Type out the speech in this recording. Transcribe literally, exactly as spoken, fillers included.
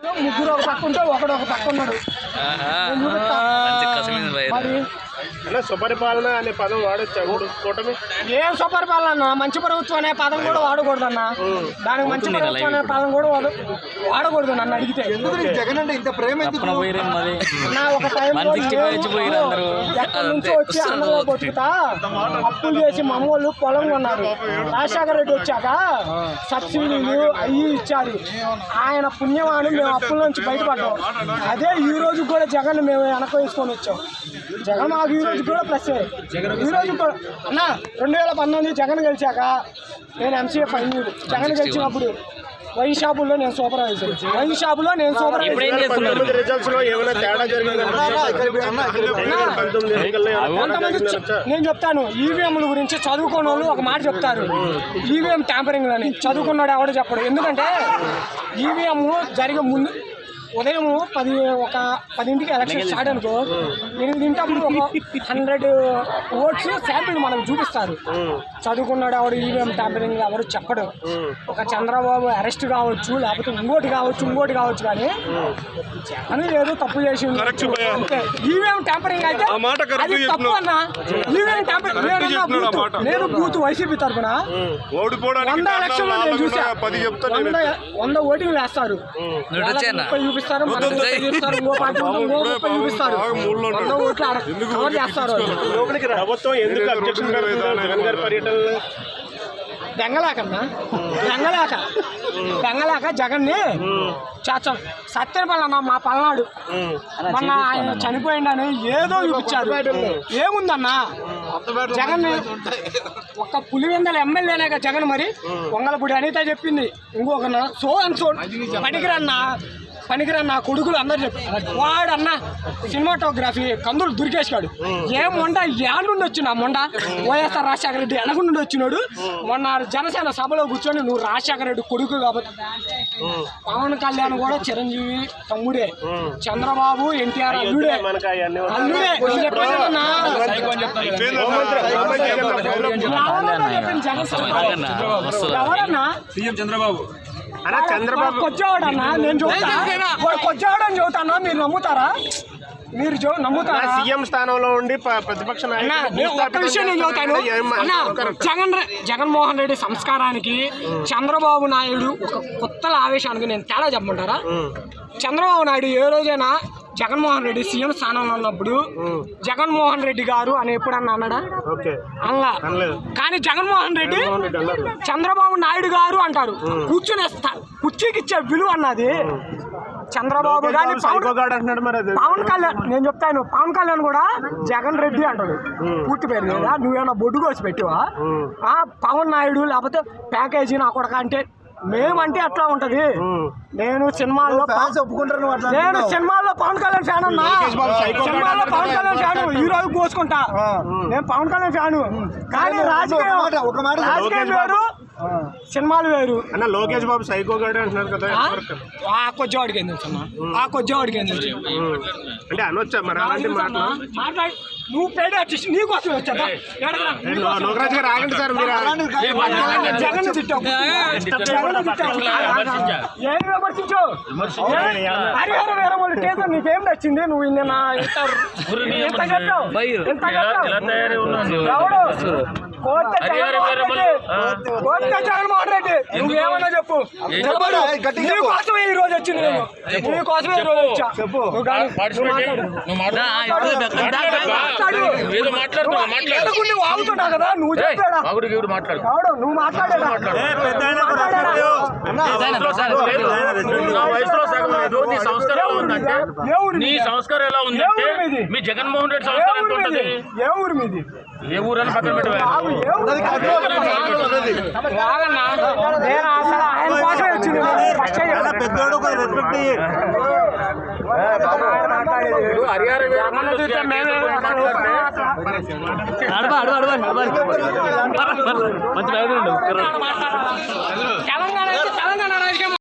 ముగ్గురు ఒక పక్క ఉంటే ఒకడు ఒక పక్క ఉన్నాడు. సుపరిపాలన అనే పదం వాడొచ్చా కూటమి? ఏం సుపరిపాలన అన్న, మంచి ప్రభుత్వం అనే పదం కూడా వాడకూడదు అన్న. దానికి మంచి ప్రభుత్వం అనే పదం కూడా వాడకూడదు నన్ను అడిగితే. జగన్ అంటే ఇంత ప్రేమ నా ఒక టైంలో ఎక్కడి నుంచో వచ్చి అన్నలో బతుకుతా అప్పులు చేసి మా అమ్మోళ్ళు పొలం కొన్నారు. రాజశేఖర రెడ్డి వచ్చాక సబ్సిడీలు అవి ఇచ్చారు. ఆయన పుణ్యమాని మేము అప్పుల నుంచి బయటపడ్డాం. అదే ఈ రోజు కూడా జగన్ మేము వెనక వేసుకొని వచ్చాం. జగన్ మాకు ఈ రోజు కూడా ప్లస్. ఈ రోజు కూడా అన్న రెండు వేల పంతొమ్మిది జగన్ గెలిచాక నేను ఎంసీఏ ఫైనల్. జగన్ గెలిచినప్పుడు వైన్ షాపుల్లో నేను సూపర్వైజర్. వైన్ షాపులో నేను సూపర్వైజర్. నేను చెప్తాను ఈవీఎంల గురించి చదువుకున్న వాళ్ళు ఒక మాట చెప్తారు, ఈవీఎం ట్యాంపరింగ్ అని. చదువుకున్నాడు ఎవడో చెప్పడు. ఎందుకంటే ఈవీఎం జరిగే ముందు ఉదయం పది ఒక పదింటికి ఎలక్షన్ స్టార్ట్ అనుకో, ఎనిమిదింటప్పుడు ఒక హండ్రెడ్ ఓట్స్ శాంపిల్ మనకు చూపిస్తారు. చదువుకున్నాడు ఎవడు ఈవీఎం ట్యాంపరింగ్ ఎవరు చెప్పడు. ఒక చంద్రబాబు అరెస్ట్ కావచ్చు, లేకపోతే ఇంకోటి కావచ్చు ఇంకోటి కావచ్చు, కానీ జగన్ ఏదో తప్పు చేసి అంతే. ఈవీఎం ట్యాంపరింగ్ అయితే అది తప్పు అన్న. ఈవీఎం ట్యాంపరింగ్ నేను బూత్ వైసీపీ తరఫున వంద ఎలక్షన్లో నేను చూసా. వంద వంద ఓటింగ్ వేస్తారు, చూపిస్తారు, చూపిస్తారు, ఇంకో పార్టీ ఇంకో ముప్పై చూపిస్తారు, వంద ఓట్లు కవర్ చేస్తారు. ప్రభుత్వం ఎందుకు అబ్జెక్షన్ జగన్ గారి పర్యటనలో బెంగలేకన్నా బెంగలేక బెంగలేక జగన్ని చాచం సత్యపల్లి అన్న మా పల్నాడు మొన్న ఆయన చనిపోయిండని ఏదో చూపించారు. ఏముందన్నా జగన్ ఒక్క పులివెందల ఎమ్మెల్యేనేగా జగన్. మరి వంగలపూడి అనిత చెప్పింది ఇంకొక సో అండ్ సో పనికిరన్నా పనికిరన్న కొడుకులు అందరు చెప్పారు. వాడు అన్న సినిమాటోగ్రఫీ కందులు దుర్గేశాడు. ఏ మొండ ఏళ్ళ నుండి వచ్చిన మొండ వైఎస్ఆర్ రాజశేఖర రెడ్డి వెనక నుండి వచ్చినాడు. మొన్న జనసేన సభలో కూర్చొని నువ్వు రాజశేఖర రెడ్డి కొడుకు కాబట్టి. పవన్ కళ్యాణ్ కూడా చిరంజీవి తమ్ముడే, చంద్రబాబు ఎన్టీఆర్ అల్లుడే అల్లుడే చెప్పానన్నా. ఎవరన్నా సీఎం చంద్రబాబు చంద్రబాబు కొచ్చేవాడన్నా. నేను చూస్తాను కొచ్చేవాడని చెబుతానా, మీరు నమ్ముతారా? మీరు నమ్ముతారా? సీఎం స్థానంలో ఉండి ప్రతిపక్ష ఒక్క విషయం నేను చెబుతాను అన్న. జగన్ జగన్మోహన్ రెడ్డి సంస్కారానికి చంద్రబాబు నాయుడు ఒక కొత్తల ఆవేశానికి నేను తేడా చెప్పమంటారా? చంద్రబాబు నాయుడు ఏ రోజైనా జగన్మోహన్ రెడ్డి సీఎం స్థానంలో ఉన్నప్పుడు జగన్మోహన్ రెడ్డి గారు అని ఎప్పుడన్నా అన్నాడా? అలా. కానీ జగన్మోహన్ రెడ్డి చంద్రబాబు నాయుడు గారు అంటారు. కూర్చునే కుర్చీకి ఇచ్చే విలువ అన్నది చంద్రబాబు గారి పవన్ కళ్యాణ్. నేను చెప్తాను పవన్ కళ్యాణ్ కూడా జగన్ రెడ్డి అంటాడు పూర్తి పేరు లేదా. నువ్వేమన్నా బొడ్డు కోసి పెట్టివా? పవన్ నాయుడు లేకపోతే ప్యాకేజీ నా కొడక అంటే మేమంటే అట్లా ఉంటది. నేను సినిమాల్లో నేను సినిమాల్లో పవన్ కళ్యాణ్ ఫ్యాన్ అన్నా. సినిమాల్లో పవన్ కళ్యాణ్ ఫ్యాన్ ఈ రోజు కోసుకుంటా. నేను పవన్ కళ్యాణ్ ఫ్యాను. కానీ రాజకీయం రాజకీయం వేరు, సినిమాలు వేరు అన్న. లోకేష్ బాబు సైకో గాడు అంటున్నారు కదా, ఆ కొద్దివాడికి ఏం తెలుసు అన్న, ఆ కొద్దివాడికి ఏం తెలుసు అంటే అనొచ్చా మరి అలాంటి మాటలు? మాట్లాడి నువ్వు పేడ వచ్చేసి నీకోసం వచ్చా లోకరాజు గారు ఆగండి సార్. మీరు జగన్ తిట్టావు, జగన్ తిట్టావు, ఏం విమర్శించు? హరిహర వీరమల్లి కేసు నీకేం నచ్చింది? నువ్వు నిన్న ఎంత చెప్పావు ఎంత చెప్పావు? ఎవడు కోర్త జగన్మోహన్ రెడ్డి నువ్వేమన్నా చెప్పు. నీకోసమే ఈ రోజు వచ్చింది, నేను నీకోసమే ఈ రోజు వచ్చా. చెప్పు నువ్వు ఆగుతున్నావు కదా, నువ్వు చెప్పాడా? నువ్వు మాట్లాడేదా? సంస్కారం ఎలా ఉంది? మీ జగన్మోహన్ రెడ్డి సంస్కారం ఏ ఊరు మీది? ఏ ఊరు అని పక్కన పెట్టారు. నేను అసలు ఆయన కోసమే వచ్చింది. తెలంగాణ తెలంగాణ రాజకీయం